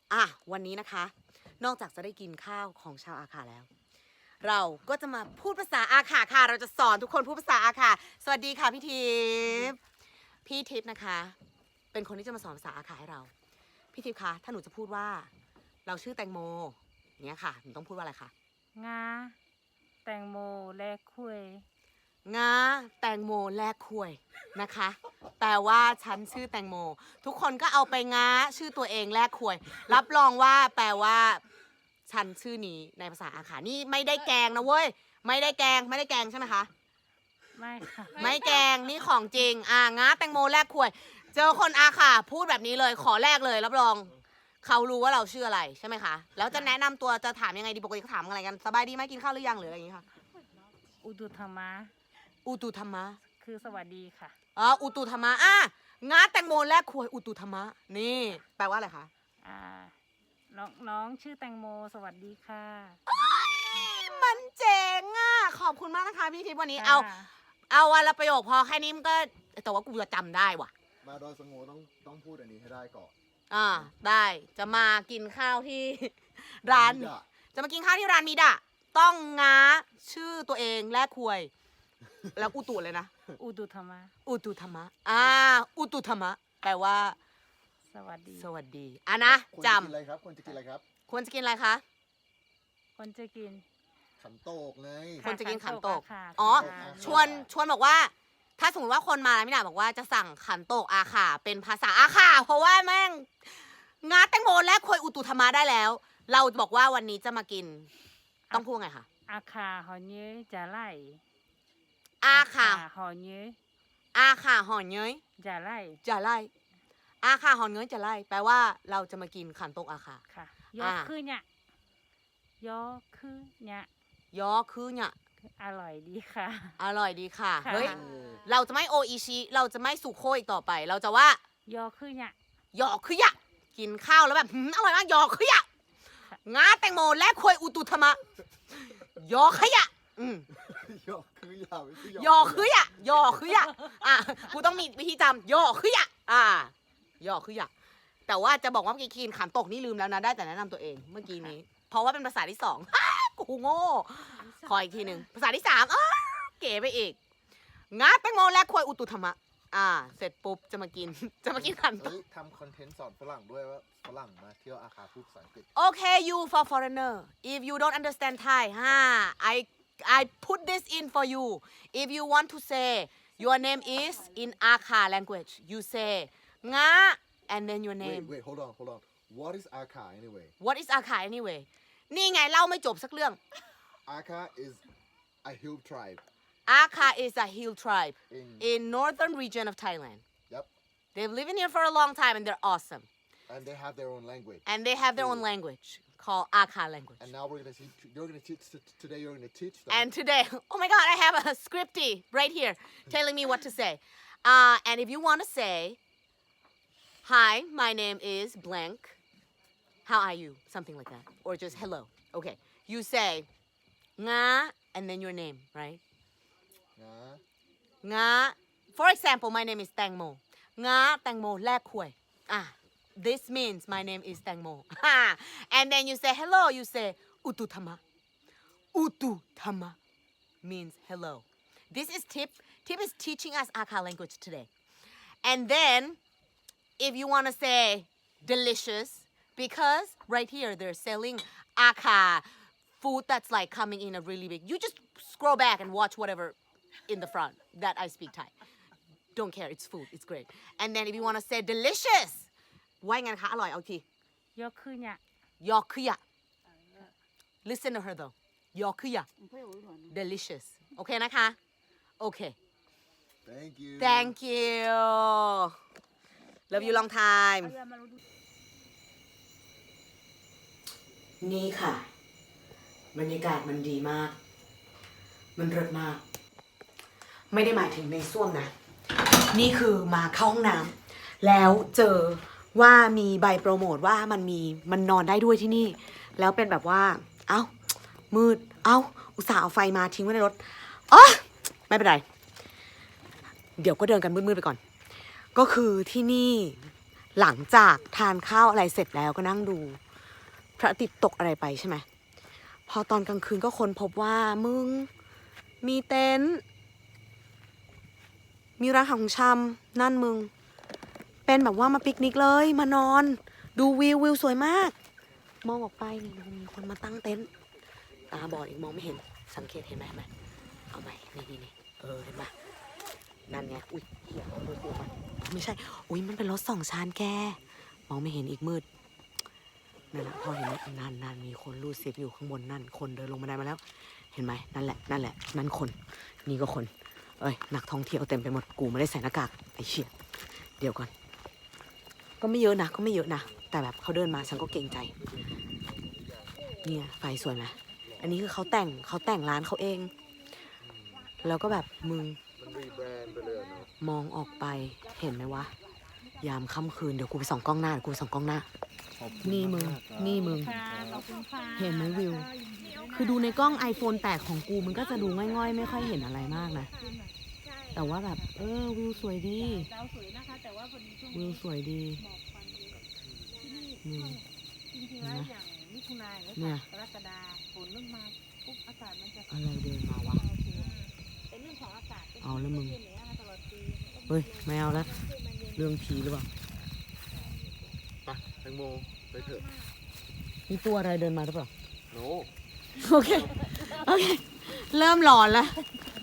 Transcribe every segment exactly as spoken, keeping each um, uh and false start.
อ่ะวันนี้นะคะนอกจากจะได้กินข้าวของชาวอาคาแล้วเราก็จะมาพูดภาษาอาคาค่ะเราจะสอนทุกคนพูดภาษาอาคาสวัสดีค่ะพี่ทิพย์พี่ทิพย์นะคะเป็นคนที่จะมาสอนภาษาอาคาให้เราพี่ทิพย์คะถ้าหนูจะพูดว่าเราชื่อแตงโมเนี้ยค่ะหนูต้องพูดว่าอะไรคะงาแตงโมแลกคุยงาแตงโมแลกคุยนะคะแปลว่าฉันชื่อแตงโมทุกคนก็เอาไปง้าชื่อตัวเองแลกคุยรับรองว่าแปลว่าฉันชื่อนี้ในภาษาอาขานี่ไม่ได้แกงนะเว้ยไม่ได้แกงไม่ได้แกงใช่ไหมคะไม่ค่ะไม่แกงนี่ของจริงอ่าง้าแตงโมแลกคุยเจอคนอาขาพูดแบบนี้เลยขอแลกเลยรับรองเขารู้ว่าเราชื่ออะไรใช่ไหมคะแล้วจะแนะนำตัวจะถามยังไงดีปกติเขาถามอะไรกันสบายดีไหมกินข้าวหรือยังหรืออะไรอย่างงี้ค่ะอุตุธรรมะอุตุธรรมะคือสวัสดีค่ะอ๋ออุตุธรรมะอ่ะง้าแตงโมแลกคุยอุตุธรรมะนี่แปลว่าอะไรคะอ่าน้องน้องชื่อแตงโมสวัสดีค่ะมันเจ๋งอ่ะขอบคุณมากนะคะพี่ทิพย์วันนี้เอาเอาวันละประโยคพอแค่นี้มันก็แต่ว่ากูจะจำได้ว่ะมาดอยสงโงต้องต้องพูดอันนี้ให้ได้ก่อนอ่าได้จะมากินข้าวที่ร้านจะมากินข้าวที่ร้านมิดะต้องง้าชื่อตัวเองแลกคุยแล้วอุตุเลยนะอุตุธรรมะอุตุธรรมะอ่าอุตุธรรมะแปลว่าสวัสดีสวัสดีอ่ะนะจำควรจะกินอะไรครับควรจะกินอะไรครับควรจะกินอะไรคะคนจะกินขันโตกไงควรจะกินขันโตกค่ะอ๋อชวนชวนบอกว่าถ้าสมมติว่าคนมาแล้วไม่ได้บอกว่าจะสั่งขันโตกอาขาเป็นภาษาอาขาเพราะว่าแม่งงาแตงโมและควยอุตุธรรมะได้แล้ว เราจะบอกว่าวันนี้จะมากินต้องพูดไงคะอาคาหอเนื้อจะไล่อาขาหอเนื้ออาขาหอนเย้ยจะไล่จะไล่อาขาหอนเย้ยจะไล่แปลว่าเราจะมากินขันโตกอาขาค่ะยอคือเนี่ยยอคือเนี่ยยอคือเนี่ยอร่อยดีค่ะอร่อยดีค่ะเฮ้ยเราจะไม่โออิชิเราจะไม่สุโคอีกต่อไปเราจะว่ายอคือเนี่ยยอคือยะกินข้าวแล้วแบบอร่อยมากยอคือยะงาแตงโมและควยอุตุธรรมะยอขยะอืมยอคือยาไม่ใช่ยอคือยะยอคือยะอ่ะกูต้องมีวิธีจำยอคือยะอ่ายอคือยะแต่ว่าจะบอกว่าเมื่อกี้กินขันตกนี่ลืมแล้วนะได้แต่แนะนำตัวเองเมื่อกี้นี้เพราะว่าเป็นภาษาที่สองกูโง่ขออีกทีหนึ่งภาษาที่สามเก๋ไปอีกงาแตงโมและควยอุตุธรรมะอ่าเสร็จปุ๊บจะมากินจะมากินขันโตกทำคอนเทนต์สอนฝรั่งด้วยว่าฝรั่งมาเที่ยวอาคาพูดภาษาอังกฤษ Okay you for foreigner if you don't understand Thai ha I I put this in for you if you want to say your name is in Akha language you say nga and then your name wait wait hold on hold on what is Akha anyway what is Akha anyway นี่ไงเล่าไม่จบสักเรื่อง Akha is a hill tribe Akha is a hill tribe in, in northern region of Thailand yep they've lived here for a long time and they're awesome and they have their own language and they have their own language called Akha language and now we're gonna teach you're gonna teach today you're gonna teach them and today oh my god I have a scripty right here telling me what to say uh, and if you want to say hi my name is blank how are you something like that or just hello okay you say nga and then your name right nga nga for example my name is Tangmo nga Tangmo แลกคุยอ่ะthis means my name is Tangmo and then you say hello you say Ututhama Ututhama means hello this is Tip Tip is teaching us Akha language today and then if you want to say delicious because right here they're selling Akha food that's like coming in a really big you just scroll back and watch whatever in the front that I speak Thai don't care it's food it's great and then if you want to say delicious ว่าไงคะอร่อยเอาทียอคือเนี่ยยอคือยะ listen to her though ยอคือยะ delicious โอเคนะคะโอเค thank you thank you love you long time นี่ค่ะบรรยากาศมันดีมากมันเลิศมากไม่ได้หมายถึงในส้วมนะนี่คือมาเข้าห้องน้ำแล้วเจอว่ามีใบโปรโมทว่ามันมีมันนอนได้ด้วยที่นี่แล้วเป็นแบบว่าเอ้ามืดเอ้าอุตส่าห์เอาไฟมาทิ้งไว้ในรถอ๋อไม่เป็นไรเดี๋ยวก็เดินกันมืดๆไปก่อนก็คือที่นี่หลังจากทานข้าวอะไรเสร็จแล้วก็นั่งดู พระอาทิตย์ตกอะไรไปใช่ไหมพอตอนกลางคืนก็ค้นพบว่ามึงมีเต็นท์มีร้านขายของชำนั่นมึงเป็นแบบว่ามาปิกนิกเลยมานอน ดูวิววิวสวยมาก มองออกไปนี่มีคนมาตั้งเต็นท์ตาบอดอีกมองไม่เห็นสังเกตเห็นไหมเห็นไหมเอาไหมนี่นี่นี่เออเห็นไหมนั่นไงอุ้ยเหี้ยเอามือกูมาไม่ใช่อุ้ยมันเป็นรถสองชั้นแกมองไม่เห็นอีกมืดนั่นแหละพอเห็นไหมนั่นนั่นมีคนรูดซิปอยู่ข้างบนนั่นคนเดินลงบันไดมาแล้วเห็นไหมนั่นแหละนั่นแหละนั่นคนนี่ก็คนเอ้ยนักท่องเที่ยวเต็มไปหมดกูไม่ได้ใส่หน้ากากไอ้เชี่ยเดี๋ยวก่อนก็ไม่เยอะนะก็ไม่เยอะนะแต่แบบเขาเดินมาฉันก็เกรงใจเนี่ยไฟสวยไหมอันนี้คือเขาแต่งเขาแต่งร้านเขาเองแล้วก็แบบมึงมันรีแบรนด์ไปเลยเนาะมองออกไปเห็นไหมวะยามค่ำคืนเดี๋ยวกูไปส่องกล้องหน้าเดี๋ยวกูไปส่องกล้องหน้าขอบคุณนี่มึงากครับนี่มึงค่ะขอบคุณค่ะเห็นไหมวิว คือดูในกล้อง iPhone แตกของกูมันก็จะดูง่อยๆ ไม่ค่อยเห็นอะไรมากนะ แต่ว่าแบบเออวิวสวยดีดาวสวยนะคะ แต่ว่าพอดีช่วงวินี้วสวยดีหมอกควันเยอะที่นี่อืมจริงๆแล้วอย่างมิถุนายนเนี่เนี่ย ยกรกฎาฝนเริ่มมาปุ๊บอากาศมันจะอะไรเดินมาวะเป็นเรื่องของอากาศเอาแล้วมึงเย็นๆนะคะตลอดปีเฮ้ยไม่เอาละเรื่องผีหรือเปล่าไปแตงโมไปเถอะมีตัวอะไรเดินมาหรือเปล่าโนโอเค โอเค เริ่มหลอนแล้ว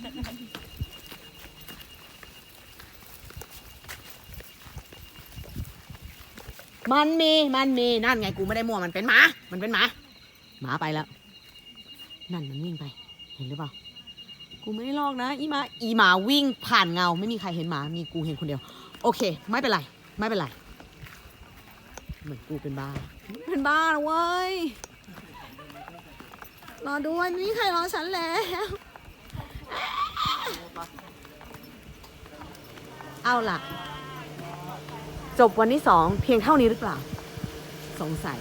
มันมี มันมี นั่นไงกูไม่ได้มั่วมันเป็นหมา มันเป็นหมา หมาไปแล้ว นั่นมันวิ่งไป เห็นหรือเปล่า กูไม่ได้ลอกนะ อีหมา อีหมาวิ่งผ่านเงา ไม่มีใครเห็นหมา มีกูเห็นคนเดียว โอเค ไม่เป็นไร ไม่เป็นไร เหมือนกูเป็นบ้า เป็นบ้าแล้วเว้ย รอด้วยไม่มีใครรอฉันแล้ว เอาล่ะ จบวันที่สองเพียงเท่านี้หรือเปล่า สงสัย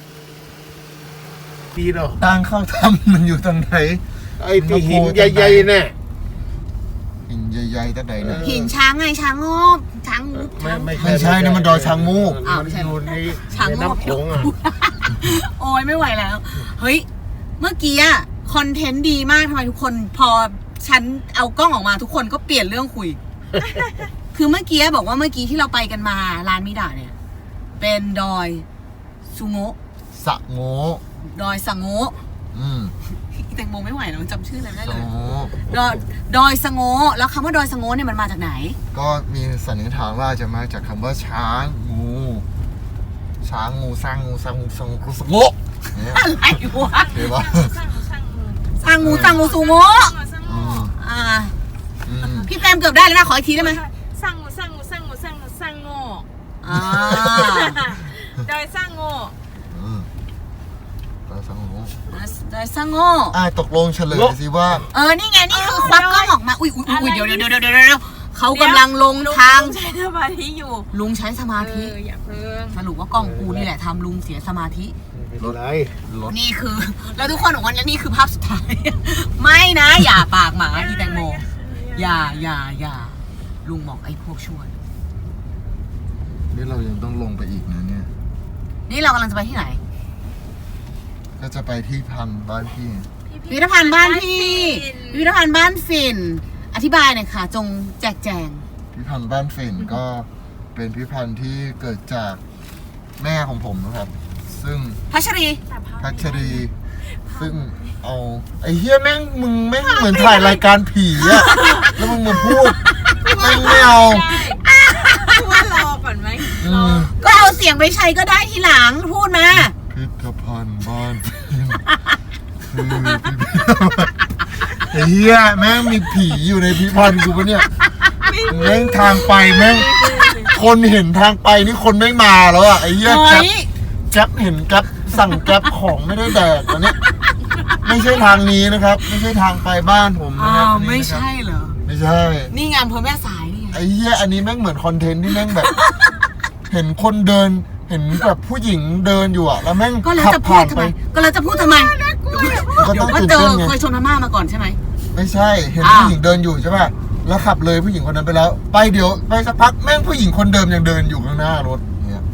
ดีเหรอทางเข้าถ้ำมันอยู่ทางไหนไอ้ที่หินใหญ่ๆเนี่ยหินใหญ่ๆตั้งไหนเนี่ยหินช้างไงช้างงอบช้างงูไม่ช้างไม่ไม่ใช่นะมันดอยช้างมูกอ้าวมันไม่ใช่อยู่ในช้างในโง่น้ำโขงอ่ะโอ้ยไม่ไหวแล้ว เฮ้ย เมื่อกี้อะคอนเทนต์ดีมากทำไมทุกคนพอฉันเอากล้องออกมาทุกคนก็เปลี่ยนเรื่องคุย คือเมื่อกี้บอกว่าเมื่อกี้ที่เราไปกันมาร้านมิดาเนี่ย เป็นดอยซูโงะสะโงดอยสังโงะอืมแตงโมไม่ไหวแล้วจำชื่ออะไรไม่ได้สะเลยโงดอยดอยสะโงะแล้วคำว่าดอยสะโงะเนี่ยมันมาจากไหนก็มีสันนิษฐานว่าจะมาจากคำว่าช้างงู ช้างงูสร้างงูสร้างงูสร้างงูสะโงเนี่ยอะไรวะเห็นปะสร้างงูสร้างงูซูโงะอืมอ่าอืมพี่แปมเกือบได้แล้วนะขออีกทีได้ไหมสร้างงูสร้างงูสร้างงูสร้างงูสร้างโง่อ่าดอยสร้างโง่อืมดอยสะโงดอยสะโงะอ่ะตกลงเฉลยสิว่าเออนี่ไงนี่คือควักกล้องออกมาอุ้ยอุ้ยอุ้ยเดี๋ยวเดี๋ยวเดี๋ยวเดี๋ยวเดี๋ยวเขากำลังลงทางใช้สมาธิอยู่ลุงใช้สมาเอธิออย่าเพิ่งสรุปว่ากล้องกูนี่แหละทำลุงเสียสมาธิไม่เป็นไรรถนี่คือ แล้วทุกคนบอกว่านี่คือภาพสุดท้าย ไม่นะ อย่าปากหมาอีแตงโม อย่าอย่าอย่าลุงบอกไอ้พวกชั่วนี่เรายังต้องลงไปอีกนะเนี่ยนี่เรากำลังจะไปที่ไหนก็จะไปที่พันบ้านพี่พิพิธภัณฑ์บ้านพี่พิพิธภัณฑ์บ้านฟิน อธิบายหน่อยค่ะ จงแจกแจงพิพิธภัณฑ์บ้านฝิ่นก็เป็นพิพิธภัณฑ์ที่เกิดจากแม่ของผมนะครับ ซึ่งพัชรีพัชรี ซึ่งเอาไอ้เฮียแม่งมึงแม่งเหมือนถ่ายรายการผีอะแล้วมึงมาพูดแม่งไม่เอาพูดว่ารอก่อนไหมอืมก็เอาเสียงไปใช้ก็ได้ทีหลังพูดมาพิพิธภัณฑ์บ้านฝิ่นคือพิพิธภัณฑ์ไอ้เฮียแม่งมีผีอยู่ในพิพิธภัณฑ์กูปะเนี่ยแม่งทางไปแม่งคนเห็นทางไปนี่คนไม่มาแล้วอะไอ้เฮียเฮ้แก๊ปยแก๊ปเห็นแก๊ปสั่งแก๊ปของไม่ได้แดกอันนี้ไม่ใช่ทางนี้นะครับ ไม่ใช่ทางไปบ้านผมนะอ้าครับวอันนี้ไม่นะครับใช่เหรอไม่ใช่นี่งานอำเภอแม่สายนี่ไงไอ้เหี้ยอันนี้แม่งเหมือนคอนเทนต์ที่แม่งแบบ เห็นคนเดินเห็นแบบผู้หญิงเดินอยู่อะแล้วแม่งก็แล้วขับจะพูผ่าดนทำไปไม ก็แล้วจะพูดทำไมมันก็เดี๋ยต้วองก็ตื่นเจอเต้นไงเคยชนพม่ามาก่อนใช่ไหมไม่ใช่เห็นอ้าวผู้หญิงเดินอยู่ใช่ป่ะแล้วขับเลยผู้หญิงคนนั้นไปแล้ว ไปเดี๋ยวไปสักพักแม่งผู้หญิงคนเดิมยังเดินอยู่ข้างหน้ารถเนี่ย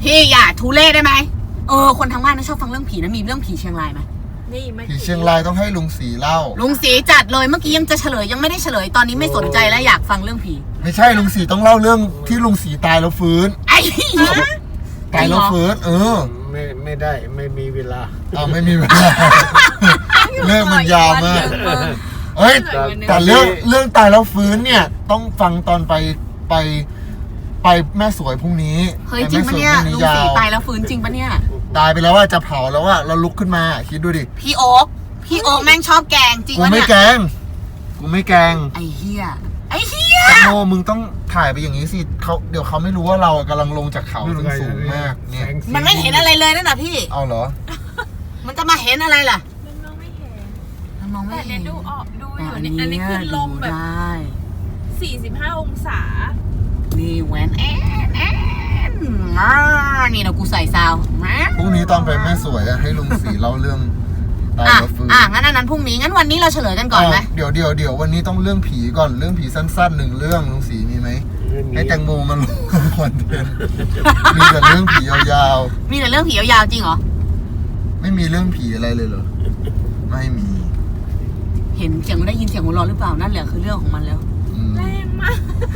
พี่อย่าทุเล่ได้ไหมเออคนทางบ้านนะชอบฟังเรื่องผีนะมีเรื่องผีเชียงรายไหมนี่ไม่ผีเชียงรายต้องให้ลุงสีเล่าลุงสีจัดเลยเมื่อกี้ยังจะเฉลยยังไม่ได้เฉลยตอนนี้ไม่สนใจแล้วอยากฟังเรื่องผีไม่ใช่ลุงสีต้องเล่าเรื่องที่ลุงสีตายแล้วฟื้นไอ้เหี้ยตายแล้วฟื้นเออไม่ไม่ได้ไม่มีเวลาเอาไม่มีเวลาเรื่องมันยาวมากเออเอ้ยแต่แต่เรื่องเรื่องตายแล้วฟื้นเนี่ยต้องฟังตอนไปไปไปแม่สวยพรุ่งนี้เฮ้ยจริงปะเนี่ยไปแม่สวพลุงยาสีวตายแล้วฟื้นจริงปะเนี่ยตายไปแล้วว่าจะเผาแล้วว่าเราลุกขึ้นมาคิดดูดิพี่โอ๊คพี่โอ๊คแม่งชอบแกงจริงกูปะไม่เนี่ยแกงกูไม่แกงไอ้เหี้ยไอ้เหี้ยแตงโมมึงต้องถ่ายไปอย่างนี้สิเขาเดี๋ยวเขาไม่รู้ว่าเรากำลังลงจากเขาซึ่งสูงมากเนี่ยมันไม่เห็นอะไรเลยนั่นน่ะพี่เอาเหรอมันจะมาเห็นอะไรล่ะมันมองไม่เห็นมันมองไม่แต่เห็เนี่ยนดูออกดูอแต่ยู่อันเนี่ยนี้อันนี้คือลมแบบได้สี่สิบห้าองศานี่แหวนแอนแอนอ่านี่เรากูใส่ซาวแหวนพรุ่งนี้ตอนไปแม่สวยอะให้ลุงสีเล่าเรื่องตายอ่ะแล้วฟื้นอ่ะงั้นอันนั้นพรุ่งนี้งั้นวันนี้เราเฉลยกันก่อนไหมาวเดี๋ยวเดี๋ยวเดี๋ยววันนี้ต้องเรื่องผีก่อนเรื่องผีสั้นๆหนึ่งเรื่องลุงสีมีไหมให้แตงโมมาลงคอนเทนต์มีแต่เรื่องผียาวมีแต่เรื่องผียาวๆจริงเหรอๆไม่มีเรื่องผีอะไรเลยเหรอไม่มีเห็นเสียงได้ยินเสียงหัวเราะหรือเปล่านั่นแหละคือเรื่องของมันแล้วอืมแรงมาก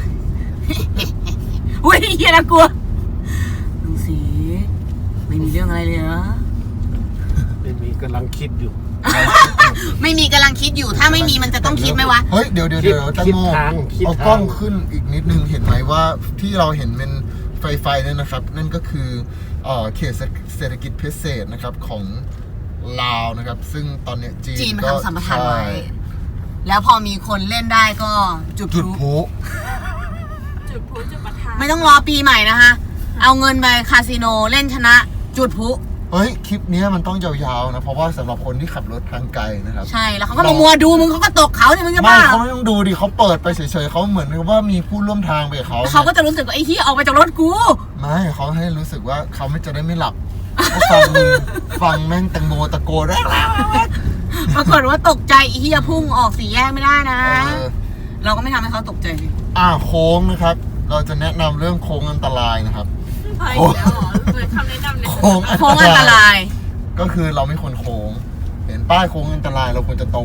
อุ้ยเฮียน่ากลัวลุงสีไม่มีเรื่องอะไรเลยนะไม่มีกำลังคิดอยู่ไม่มีกำลังคิดอยู่ถ้าไม่มีมันจะต้องคิดไหมวะเฮ้ยเดี๋ยวเดี๋ยวเดี๋ยวแตงโมคิดทางคิดเอาทางกล้องขึ้นอีกนิดนึงเห็นไหมว่าที่เราเห็นเป็นไฟไฟเนี่ยนะครับ นั่นก็คือเอ่อเขตเศรษฐกิจพิเศษนะครับของลาวนะครับ ซึ่งตอนเนี้ยจีนจีนมันก็ทำสัมปทานไว้ใช่แล้วพอมีคนเล่นได้ก็จุดพจุดลุพลุจุดพลุจุดประทัดไม่ต้องรอปีใหม่นะคะ เอาเงินไปคาสิโนเล่นชนะ จุดพลุเฮ้ย คลิปเนี้ยมันต้องยาวๆนะ เพราะว่าสำหรับคนที่ขับรถทางไกลนะครับใช่แล้วเขาก็มามัวดูมึงเขาก็ตกเขาเนี่ยมึงจะไม่บ้าเขาไม่ต้องดูดิเขาเปิดไปเฉยๆเขาเหมือนกับว่ามีผู้ร่วมทางไปกับเขาเขาก็จะรู้สึกว่าไอ้ที่ออกไปจากรถกูไม่เขาให้รู้สึกว่าเขาไม่จะได้ไม่หลับเขาฟังมึงฟังแม่งแตงโมตะโกนแล้วปรากฏว่าตกใจไอ้ที่พุ่งออกสี่แยกไม่ได้นะเออเราก็ไม่ทำให้เขาตกใจสิอ่าโค้งนะครับ เราจะแนะนำเรื่องโค้งอันตรายนะครับไปแล้วเหรอเหมือนคำแนะนำเลยโค้งโค้งอันตรายก็คือเราไม่ควรโค้ง เห็นป้ายโค้งอันตรายเราควรจะตรง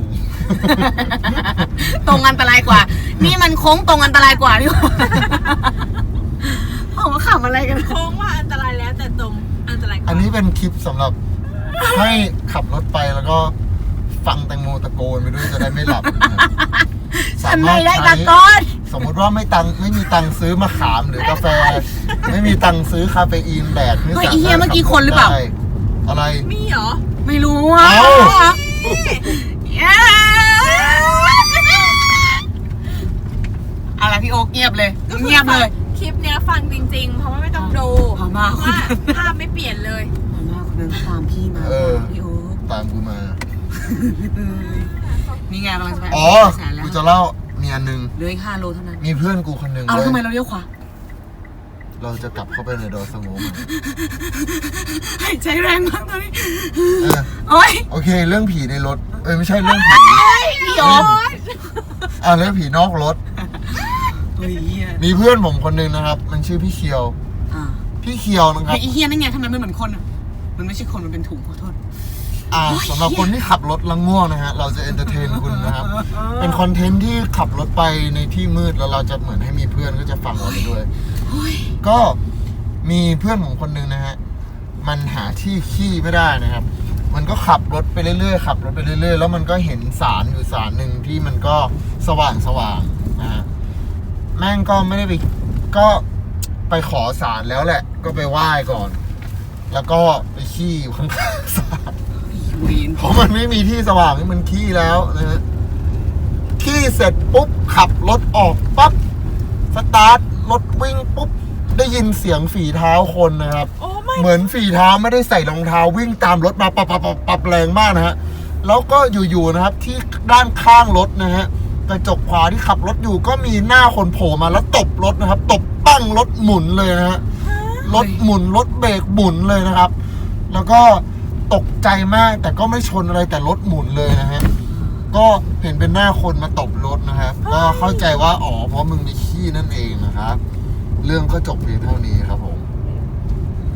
ตรงอันตรายกว่า นี่มันโค้งตรงอันตรายกว่านี่หว่าเขามาขำอะไรกันโค้งว่าอันตรายแล้วแต่ตรงอันตรายกว่าอันนี้เป็นคลิปสำหรับให้ขับรถไปแล้วก็ฟังแตงโมตะโกนไปด้วยจะได้ไม่หลับนะครับฉันไม่ได้ตะโกนสมมติว่าไม่ตังไม่มีตังค์ซื้อมะขามหรือกาแฟ ไม่มีตังค์ซื้อคาเฟอีนแดกนี่เฮ้ยสาไอ้เหี้ยมารถเมื่อกี้คนหรือเปล่าได้อะไรมีเหรอไม่รู้อ่ะเอ้าอะไรพี่โอ๊กเงียบเลย เงียบเลยคลิปเนี้ยฟังจริงๆ เพราะว่าไม่ต้องดูพอมาเพราะว่าภาพไม่เปลี่ยนเลยพอมาคนนั้นตามพี่มาเออพี่โอ๊กตามกูมานี่ไงกำลังจะไปอ๋อแสนแล้วกูจะเล่ามีอันหนึงเหลืออีกห้าโลเท่านั้นมีเพื่อนกูคนหนึ่งเอาแล้วเว้ยทำไมเราเลี้ยวขวาเราจะกลับเข้าไปในดอยสโงมหายใจแรงมากตอนนี้เออโอ๊ยโอเค เรื่องผีในรถ เอ้ยไม่ใช่เรื่องผีพี่โอ๊กอ่าเรื่องผีนอกรถเฮ้ยเหี้ยมีเพื่อนผมคนหนึ่งนะครับ มันชื่อพี่เคียวอ่าพี่เคียวนะคเฮ้รัยบไอ้เฮียนั่นไงทำไมมันเหมือนคนอ่ะ มันไม่ใช่คนมันเป็นถุงขอโทษอ่าสำหรับคนที่ขับรถแล้วง่วงนะฮะ เราจะเอนเตอร์เทนคุณนะครับ เป็นคอนเทนต์ที่ขับรถไปในที่มืดแล้วเราจะเหมือนให้มีเพื่อนก็จะฟังเราไปด้วย ก็มีเพื่อนผมคนหนึ่งนะฮะ มันหาที่ขี้ไม่ได้นะครับ มันก็ขับรถไปเรื่อยๆขับรถไปเรื่อยๆแล้วมันก็เห็นสารอยู่สารหนึ่งที่มันก็สว่างสว่างๆนะฮะ แม่งก็ไม่ได้ไปก็ไปขอสารแล้วแหละ ก็ไปไหว้ก่อน แล้วก็ไปขี้อยู่ข้างๆสารเวีนเพราะมันไม่มีที่สว่างให้มันขี้แล้วนะฮะขี้เสร็จปุ๊บขับรถออกปั๊บสตาร์ทรถวิ่งปุ๊บได้ยินเสียงฝีเท้าคนนะครับโอ้ไม่เหมือนฝีเท้าไม่ได้ใส่รองเท้าวิ่งตามรถมาปับปับปับปับแรงมากนะฮะแล้วก็อยู่ๆนะครับ ที่ด้านข้างรถนะฮะกระจกขวาที่ขับรถอยู่ก็มีหน้าคนโผล่มาแล้วตบรถนะครับ ตบปั้งรถหมุนเลยนะฮะรถหมุนรถเบรกหมุนเลยนะครับ แล้วก็ตกใจมากแต่ก็ไม่ชนอะไรแต่รถหมุนเลยนะฮะก็เห็นเป็นหน้าคนมาตบรถนะครับก็เข้าใจว่าอ๋อเพราะมึงมีขี้นั่นเองนะครับ เรื่องก็จบเพียงเท่านี้ครับผม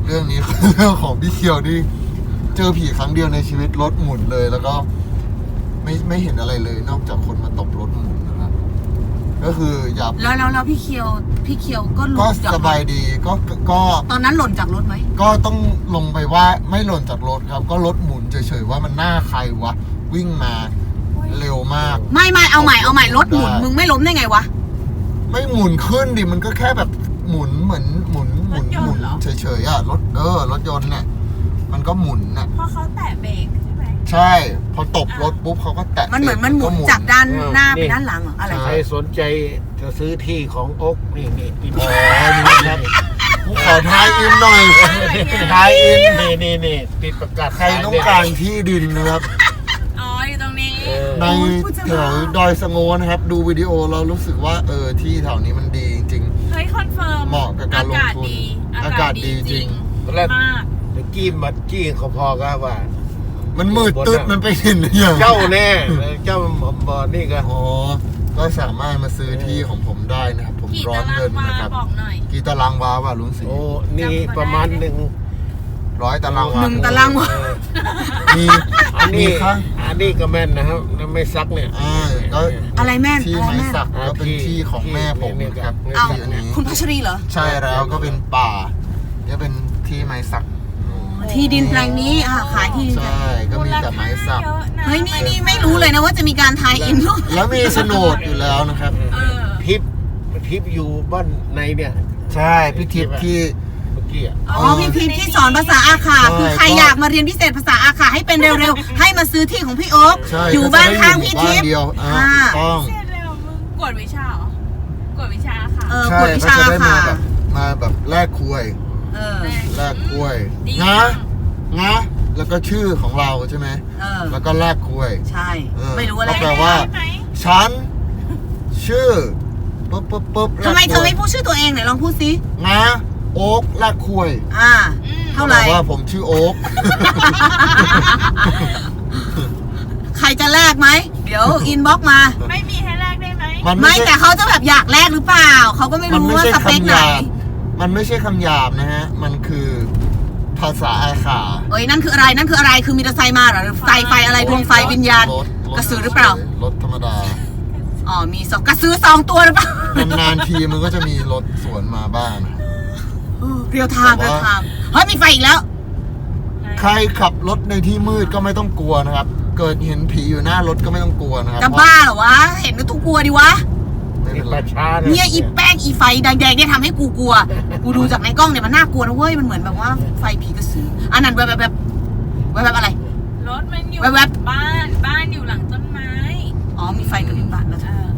เรื่องนี้ คือเรื่องของพี่เคียวที่เจอผีครั้งเดียวในชีวิตรถหมุนเลยแล้วก็ไม่ไม่เห็นอะไรเลย นอกจากคนมาตบรถหมุนนะครับก็คืออย่าแล้วแล้วแล้วพี่เคียวพี่เคียวก็หก็ล่นจากสรบายถดีก็ก็ตอนนั้นหล่นจากรถไหมก็ต้องลงไปว่าไม่หล่นจากรถครับ ก็รถหมุนเฉยๆว่ามันหน้าใครวะวิ่งมาเร็วมากไม่ไม่เอาใหม่เอาใหม่รถหมุนได้มึงไม่ล้มได้ไงวะไม่หมุนขึ้นดิมันก็แค่แบบหมุนเหมือนหมุนหมุนหมุนเฉยๆอะรถเออรถยนต์เนี่ยมันก็หมุนน่ะเพราะเขาแตะเบรกใช่ไหมใช่ พอตบรถปุ๊บเขาก็แตะมันเหมือนมันหมุนก็จากด้านหน้าไปด้านหลังเหรออะไรใครสนใจจะซื้อที่ของโอ๊กนี่นี่นี่อ๋อนี่ครับผมขอทายอินหน่อยทายอินนี่นี่นี่ติดประกาศใครต้องการที่ดินนะครับอ๋ออยู่ตรงนี้เออในแถวดอยสะโงนะครับ ดูวิดีโอเรารู้สึกว่าเออที่แถวนี้มันดีจริงเฮ้ยคอนเฟิร์มเหมาะกับการลงทุนอากาศดีอากาศดีจริงตอนแรกมากตะกี้มาจี้เขาพอก็ว่ามันมืดตึ๊ดมันไปเห็นหรือยังเจ้าแน่เจ้าบอนี่ก็อ๋อก็สามารถมาซื้อที่ของผมได้นะครับ ผมกี่ร้อตาน รางเงินวานะครับบอกหน่อยกี่ตารางวาว่าลุงศรีโอ้นี่ประมาณหนึ่งร้อยตารางวาหนึ่งตารางวาเออมีอันมีนี้ข้างอันนี้ก็แม่นนะครับแล้วไม่ซักเนี่ยอ่าก็อะไรแม่นที่อะไรไม้แม่นสักก็เป็นที่ของแม่ผมนะครับเอ้าที่อันนี้คุณพัชรีเหรอใช่แล้วก็เป็นป่าเนี่ยเป็นที่ไม้สักที่ดินแปลงนี้อ่ะขายที่ดินแปลงใช่ก็มีแต่ไม้สักเยอะนะเฮ้ยนี่นี่ไม่รู้เลยนะว่าจะมีการทายอินด้วยแล้วมีโฉนดอยู่แล้วนะครับเออทิปทิปอยู่บ้านในเนี่ยใช่พี่ทิพย์ที่เมื่อกี้อ่ะอ๋อพี่พิมพ์ที่สอนภาษาอาขาใช่คือใครก็อยากมาเรียนพิเศษภาษาอาขาให้เป็นเร็วๆ ให้มาซื้อที่ของพี่โอ๊คใช่อยู่บ้านข้างพี่ทิพย์บ้านเดียวอ่าอ่าถูกต้องเสร็จแล้วมึงกวดวิชาเหรอกวดวิชาค่ะเออใช่กวดวิก็ชาจะได้ค่ะมาแบบมาแบบแลกคุยเออแลกคุยดีงะงะแล้วก็ชื่อของเราใช่ไหมเออแล้วก็แลกคุยใช่เออไม่รู้อะไรก็แปลว่าได้ไหมฉันชื่อปุ๊บปุ๊บปุ๊บทำไมเธอไม่แลกคุยพูดชื่อตัวเองไหนลองพูดสิงะโอ๊กแลกคุยอ่าอืมเท่าไหร่บอกว่าผมชื่อโอ๊กใครจะแลกไหม เดี๋ยวอินบ็อกมาไม่มีให้แลกได้ไหมมันไม่ใช่แต่เขาจะแบบอยากแลกหรือเปล่า เขาก็ไม่มันรู้ไม่ว่าใช่สเปคคำหไหนยาบมันไม่ใช่คำหยาบนะฮะ มันคือภาษาอาขาเอ้ยนั่นคืออะไร นั่นคืออะไร คือมีมอเตอร์ไซค์มาเหรอหรือไฟไฟอะไรดวงไฟวิญญาณรถถกระสือหรือเปล่ารถธรรมดาอ๋อ มีสองกระซื้อสองตัวหรือเปล่านานๆทีมันก็จะมีรถสวนมาบ้างเรียวไทม์แต่เรียวว่าไทม์เฮ้ยมีไฟอีกแล้วใครขับรถในที่มืดก็ไม่ต้องกลัวนะครับ เกิดเห็นผีอยู่หน้ารถก็ไม่ต้องกลัวนะครับจะบ้าเหรอวะ เห็นก็ต้องกลัวดิวะไม่นี่เป็นปไรระชาเนี่ยอีแป้งอีไฟแดงๆเนี่ยทำให้กูกลัว กูดูจากในกล้องเนี่ยมันน่ากลัวนะเว้ย มันเหมือนแบบว่าไฟผีกระสืออันนั้นแบบแบบแบบแบบแบบอะไรรถมันอยู่แว๊บบ้าน บ้านอยู่หลังต้นไม้อ๋อ มีไฟกระพริบบ้านแล้วเออ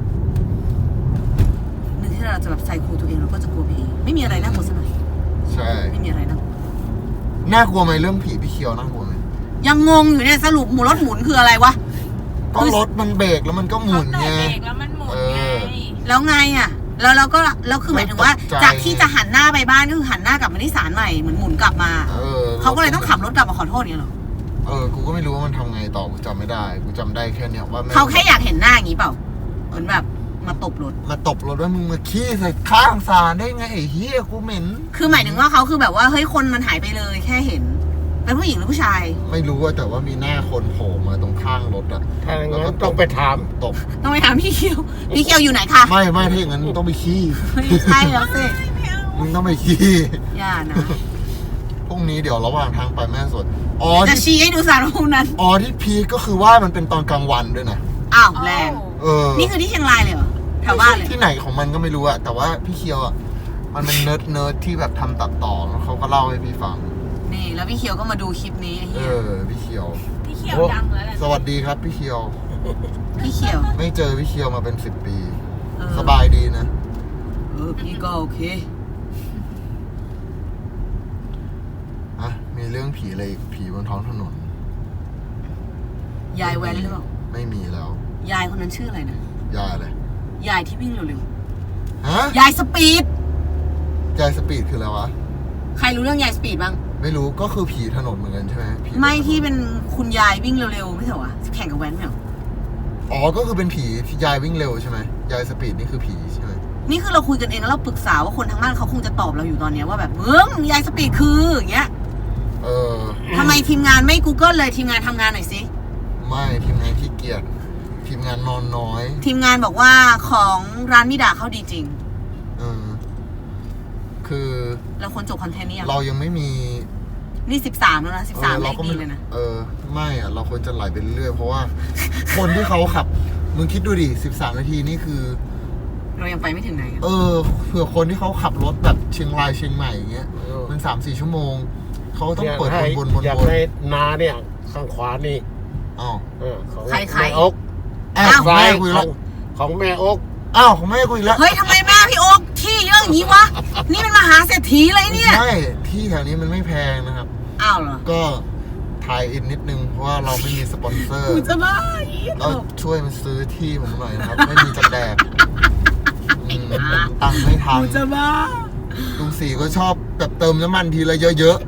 นึกที่เราจะแบบใส่ครูตัวเองเราก็จะกลัวไปเองไม่มีอะไรน่ากลัวสักหน่อยใช่ไม่มีอะไรนะน่ากลัวไหมเรื่องผีพี่เคียวน่ากลัวไหมยังงงอยู่เนี่ยสรุปหมุนรถหมุนคืออะไรวะก็รถมันเบรกแล้วมันก็หมุนเขาไงแตะเบรกแล้วมันหมุนเอไงอแล้วไงอ่ะ แล้วเราก็แล้วคือหมายถึงว่าไม่ตกใจจากที่จะหันหน้าไปบ้านก็คือหันหน้ากลับมาที่ศาลใหม่เหมือนหมุนกลับมาเออเขาก็เลยต้องขับรถกลับมาขอโทษเนี่ยหรอเออ กูก็ไม่รู้ว่ามันทำไงต่อ กูจำไม่ได้ กูจำได้แค่เนี้ยว่าแม่งเขาแค่อยากเห็นหน้าอย่างนี้เปล่า เหมือนแบบมาตบรถมาตบรถว่ามึงมาขี้ใส่ข้างสารได้ไงไอ้เฮียกูเหม็นคือหมายถึงว่าเขาคือแบบว่าเฮ้ยคนมันหายไปเลยแค่เห็น เป็นผู้หญิงหรือผู้ชายไม่รู้ว่าแต่ว่ามีหน้าคนโผล่มาตรงข้างรถอะถ้าอย่างนั้นต้องไปถามตบต้องไปถามพี่เคียว พี่เคียวอยู่ไหนคะไม่ไม่ถ้าอย่างนั้นมึงต้องไปขี้ไม่ใช่แล้วสิมึงต้องไปขี้อย่านะพรุ่งนี้เดี๋ยวระหว่างทางไปแม่สดอ๋อจะที่ชี้ให้ดูสารพวกนั้นอ๋อที่พีคก็คือว่ามันเป็นตอนกลางวันด้วยนะอ้าวแรงเออนี่คือที่เชียงรายเลยเหรอ แถวบ้านเลยที่ไหนของมันก็ไม่รู้อะแต่ว่าพี่เคียวอะมันเป็นเนิร์ดเนิร์ดที่แบบทำตัดต่อแล้วเขาก็เล่าให้พี่ฟังนี่แล้วพี่เคียวก็มาดูคลิปนี้ไอ้เอเหี้ยอพี่เคียวพี่เขียวดังแล้วแหละสวัสดีครับพี่เคียวพี่เคียวไม่เจอพี่เคียวมาเป็นสิบปีเออสบายดีนะเออพี่ก็โอเคอ่ะมีเรื่องผีอะไรอีกผีบนท้องถนนยายแว้นหรือเปล่าไม่มีแล้วยายคนนั้นชื่ออะไรนะยายอะไรยายที่วิ่งเร็วฮะๆ ยายสปีดยายสปีดคืออะไรวะใครรู้เรื่องยายสปีดบ้างไม่รู้ก็คือผีถนนเหมือนกันใช่ไหมผีไม่ที่เป็นคุณยายวิ่งเร็วๆไม่ใช่เหรอวะแข่งกับแว้นไม่เหรออ๋อก็คือเป็นผีที่ยายวิ่งเร็วใช่ไหมยายสปีดนี่คือผีใช่ไหมนี่คือเราคุยกันเองแล้วเราปรึกษาว่าคนทางบ้านเขาคงจะตอบเราอยู่ตอนเนี้ยว่าแบบเบิ้งยายสปีดคืออย่างเงี้ยเออทำไมทีมงานไม่ Google เลยทีมงานทำงานหน่อยสิไม่ทีมงานขี้เกียจทีมงานนอนน้อยทีมงานบอกว่าของร้านมิดาเขาดีจริงเออคือเราควรจบคอนเทนต์นี้ยังเรายังไม่มีนี่สิบสามแล้วนะสิบสามเออเลเราขก็ดีไม่เลยนะเออไม่อะเราควรจะไหลไปเรื่อยๆเพราะว่า คนที่เขาขับมึงคิดดูดิสิบสามนาทีนี่คือเรายังไปไม่ถึงไหนอะเออเผื่อคนที่เขาขับรถแบบเชียงรายเชียงใหม่อย่างเงี้ยมันสามสี่ชั่วโมงเขาต้องเปิดอยากให้วนๆวนอยากๆให้นาเนี่ยข้างขวานี่อ้าวเออของใครใครแม่อกอ้าวซ้าแม่ยคุยขแล้อวงของแม่อกอ้าวของแม่คุยแล้วเฮ้ยทำไมแม่พี่โอ๊คที่เยอะอย่างนี้วะ นี่มันมหาเศรษฐีเลยเนี่ยใช่ที่แถวนี้มันไม่แพงนะครับอ้าวเหรอก็ถ่ายอินนิดนึงเพราะว่าเราไม่มีสปอนเซอร์กูจะบ้าเราช่วยมันซื้อที่ผมหน่อยนะครับ ไม่มีจะแดกอืมตังค์ไม่ทันกูจะบ้าลุงสีก็ชอบแบบเติมน้ำมันทีละเยอะ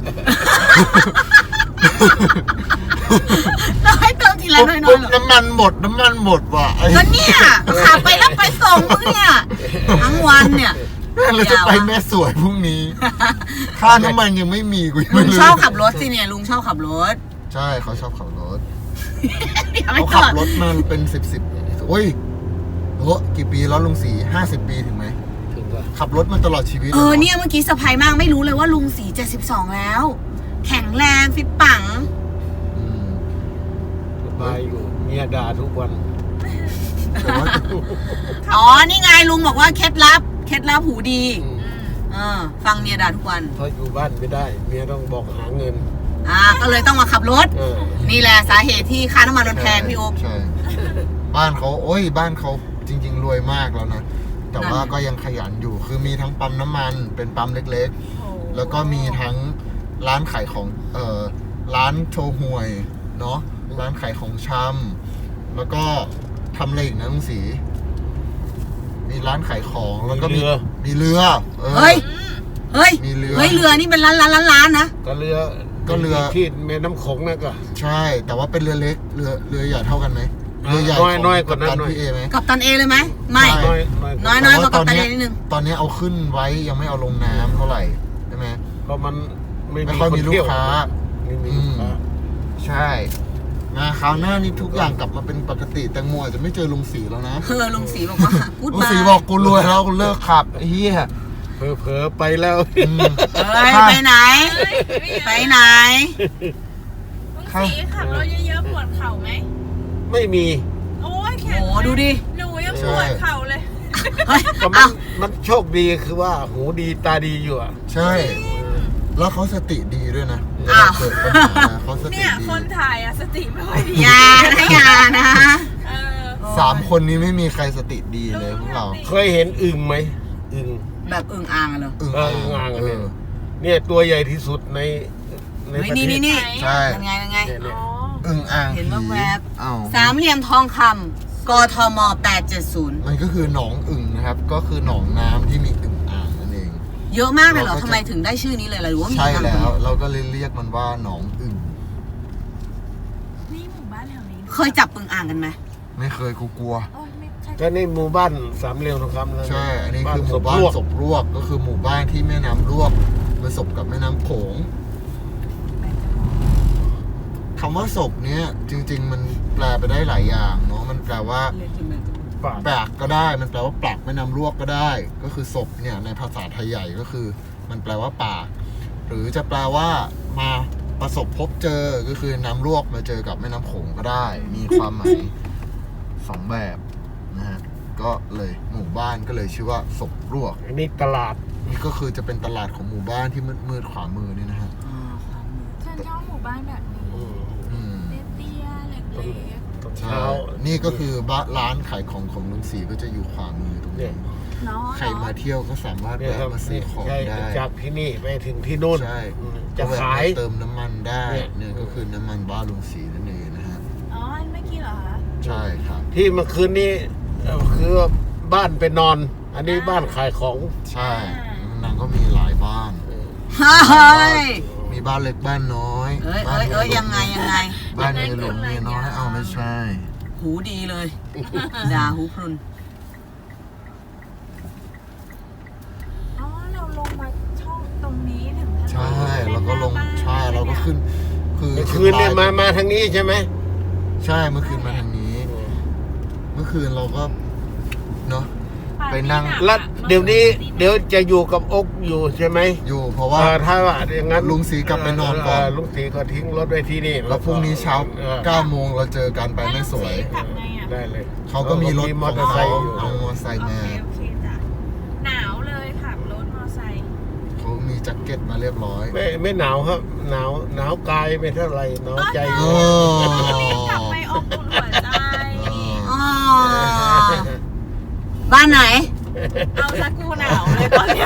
เราให้เติมทีๆละน้อยๆปุ๊บเหรอน้ำมันหมดน้ำมันหมดว่ะไอ้ก็เนี่ยขับไปแล้วไปส่งมึงเนี่ย ทั้งวันเนี่ยแม่เราจะไปแม่สวยพรุ่งนี้ ค่าน้ำมันยังไม่มีกูยังลุไม่งรู้ชอบขับรถสิเนี่ย ลุงชอบขับรถใช่เขาชอบขับรถเดี๋ยวเขาไม่ขัก่บอนรถมาเป็นสิบสิบโอ้ยโอ้กี่ปีแล้วลุงสีห้าสิบปีถึงไหมถึงว่าขับรถมาตลอดชีวิตเออลหรเนี่ยเมื่อกี้เซอร์ไพรส์มากไม่รู้เลยว่าลุงสีเจ็ดสิบสองแล้ว แข็งแรงฟิตปังอืมสบายอยู่เมียด่าทุกวันแต่ว่าอ๋อ นี่ไงลุงบอกว่าเคล็ดลับ เคล็ดลับหูดีเออฟังเมียด่าทุกวันเพราะอยู่บ้านไม่ได้ เมียต้องบอกหาเงินอ่า ก็เลยต้องมาขับรถเออนี่แหละสาเหตุที่ค่าน้ำมันมันแพงพี่โอ๊คใช่บ้านเขาโอ้ยบ้านเขาจริง ๆ รวยมากแล้วนะ แต่ว่าก็ยังขยันอยู่ คือมีทั้งปั๊มน้ำมันเป็นปั๊มเล็กๆ แล้วก็มีทั้งร้านขายของเอ่อร้านโชห่วยเนาะร้านขายของชำแล้วก็ทำอะไรอีกนะลุงศรีมีร้านขายของแล้วก็มีมีเรือมีเรือออเฮ้ย เฮ้ยมีเรือเฮ้ย เรือนี่เป็นล้านล้านล้านล้านนะก็เรือก็เรือที่แม่น้ำโขงนั่นก็ใช่ แต่ว่าเป็นเรือเล็กเรือเรือใหญ่เท่ากันไหมเรือใหญ่น้อยของน้อยกว่านั้นกัปตัหน่อยพี่เอไหมกับตันเอเลยไหม ไม่ใช่น้อยน้อยน้น้ออย ยกว่าตกัอบ นตันเนี้เอย นิดนึงตอนนี้เอาขึ้นไว้ยังไม่เอาลงน้ำเท่าไหร่ใช่ไหมเพราะมันไม่ไม่มีค่อยคนมีลูเที่กยวค้าไม่มีลูกค้าใช่มาคราวหน้านี่ทุกอย่างกลับมาเป็นปกติแตงโมอาจจะไม่เจอลุงสีแล้วนะเออลุงสีบอกว่ากูดลุงบาสียบอกกูรวยแล้วกูเลิกขับไอ้เหี้ยเผลอๆไปแล้วอืมเฮ้ยไปไหน ไปไหนลุงสีขับรถเยอะๆปวดเข่าไหมไม่มีโอ้ยแขโอ้นดูดิหนูยังปวดเข่าเลยเฮ้ยก็มัเอ้านมันโชคดีคือว่าหูดีตาดีอยู่อ่ะใช่ แล้วเขาสติดีด้วยนะเวอ้าลาว เกิดปัญหาเขาสติเนี่ยดีคนถ่ายอะสติไม่ค่อยดีอย่านะอย่านะเออสามคนนี้ไม่มีใครสติดีเลยพวกเราเคยเห็นอึ่งไหมอึ่งแบบอึ่งอ่างอะเหรออึ่งเอออึ่งอ่างเอเนี่ยอเนี่ยตัวใหญ่ที่สุดในในเฮ้ยประเทนี่ศนี่นี่ใช่ยังไงยังไงเนี่ยเนี่ยอ๋ออึ่งอ่างเห็นว่าแวบอ้าวสามเหลี่ยมทองคำกทมแปดเจ็ดศูนย์มันก็คือหนองอึ่งนะครับ ก็คือหนองน้ำที่มีอึ่งอ่างนั่นเองเยอะมากเลยเหรอเราก็จะทำไมถึงได้ชื่อนี้เลยล่ะหรือว่ามีใช่ทางแล้วอื่นเราก็เลยเรียกมันว่าหนองอึ่งนี่หมู่บ้านแถวนี้เคยจับอึ่งอ่างกันไหมไม่เคยกูกลัวโอ้ยไม่ใช่ก็ในหมู่บ้านสามเหลี่ยมทองคำแล้วใช่ อันนี้คือหมู่บ้านศพลวกศพรวกก็คือหมู่บ้านที่แม่น้ำรวกมาศพกับแม่น้ำโขงคำว่าศพเนี้ยจริง ๆ มันแปลไปได้หลายอย่างเนาะมันแปลว่าป่าแปลกก็ได้ มันแปลว่าปลักแม่น้ำรวกก็ได้ ก็คือศพเนี่ยในภาษาไทยใหญ่ก็คือ มันแปลว่าปาก หรือจะแปลว่ามาประสบพบเจอก็คือน้ำรวกมาเจอกับแม่น้ำโขงก็ได้ มีความหมายสองแบบนะฮะก็เลยหมู่บ้านก็เลยชื่อว่าศพรวกอันนี้ตลาดนี่ก็คือจะเป็นตลาดของหมู่บ้านที่มืดๆขวามือนี่นะฮะฉันชอบหมู่บ้านแบบนี้อืมอืมเตี้ยๆเล็กตอนใช่เช้านี่ก็คือบ้านร้านขายของของลุงศรีก็จะอยู่ขวามือตรงเนี่นี้ยๆเนาะใครมาเที่ยวก็สามารถเนี่ยแวะครับมาซื้อของใช่ได้จากที่นี่ไปถึงที่นู่นใช่อืมจะก็แวขายเติมน้ำมันได้เนี่ยเนี่ยก็คือน้ำมันบ้านลุงศรีนั่นเองนะฮะอ๋ออันเมื่อกี้เหรอคะใช่ครับที่เมื่อคืนนี้เอ่อคือบ้านไปนอน อันนี้บ้านขายของใช่นางก็มีหลายบ้านเฮ้ยมีบ้านเล็กบ้านน้อยเอ้ยบ้าเอ้นยเอ้ยยังไงยังไงบ้านเมียหลวงเมียน้อยเอาไม่ใช่หูดีเลย ด่าหูพรุนใช่แล้วก็ลงใช่เราก็ขึ้น คือเมื่อคืนเนี่ยมามาทางนี้ใช่ไหมใช่เมื่อคืนมาทางนี้ เมื่อคืนเราก็เนาะไปนั่งแล้วเดี๋ยวนี้เดี๋ยวจะอยู่กับอกอยู่ใช่ไหมอยู่เพราะว่าเออถ้าว่าอย่างนั้นลุงศรีกลับไปนอนก่อนเลุงศรีก็ทิ้งรถไว้ที่นี่แล้วพรุ่งนี้เช้าออเก้าโมงเราเจอกันไปไม่สวยกลับไงอ่ะได้เลยเขาก็มีรถมขอองเตอร์ไซเขาค์อยู่เอามอเตอร์ไซค์โอมาเคโอเคจ้ะหนาวเลยขับรถมอไซค์เขามีแจ็คเก็ตมาเรียบร้อยไม่ไม่หนาวครับหนาวหนาวกายไม่เท่าไหร่หนาวใจโอ้กลับไปอบอุ่นหัวใจอ๋อบ้านไหนเอาซะกูหนาวเลยตอนเนี้ย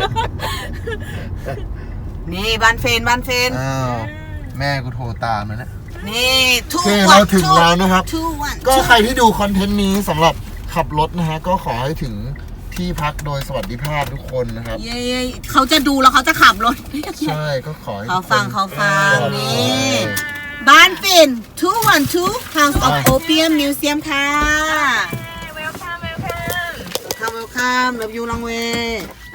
นี่บ้านเฟนบ้านเฟนอ้าวแม่กูโทรตามแล้วนะนี่ทูโอเควัเรานถึงแล้วนะครับทูวันก็ใครที่ดูคอนเทนต์นี้สำหรับขับรถนะฮะ ก็ขอให้ถึงที่พักโดยสวัสดิภาพทุกคนนะครับเย้เขาจะดูแล้วเขาจะขับรถใช่ก็ขอให้เขาฟังทุกคนเขาฟังเออนี่ บ้านฟินทูวันทู House of ไป Opium Museum ค่ะเวลคัมเวลคัม Welcome Welcome Love you long way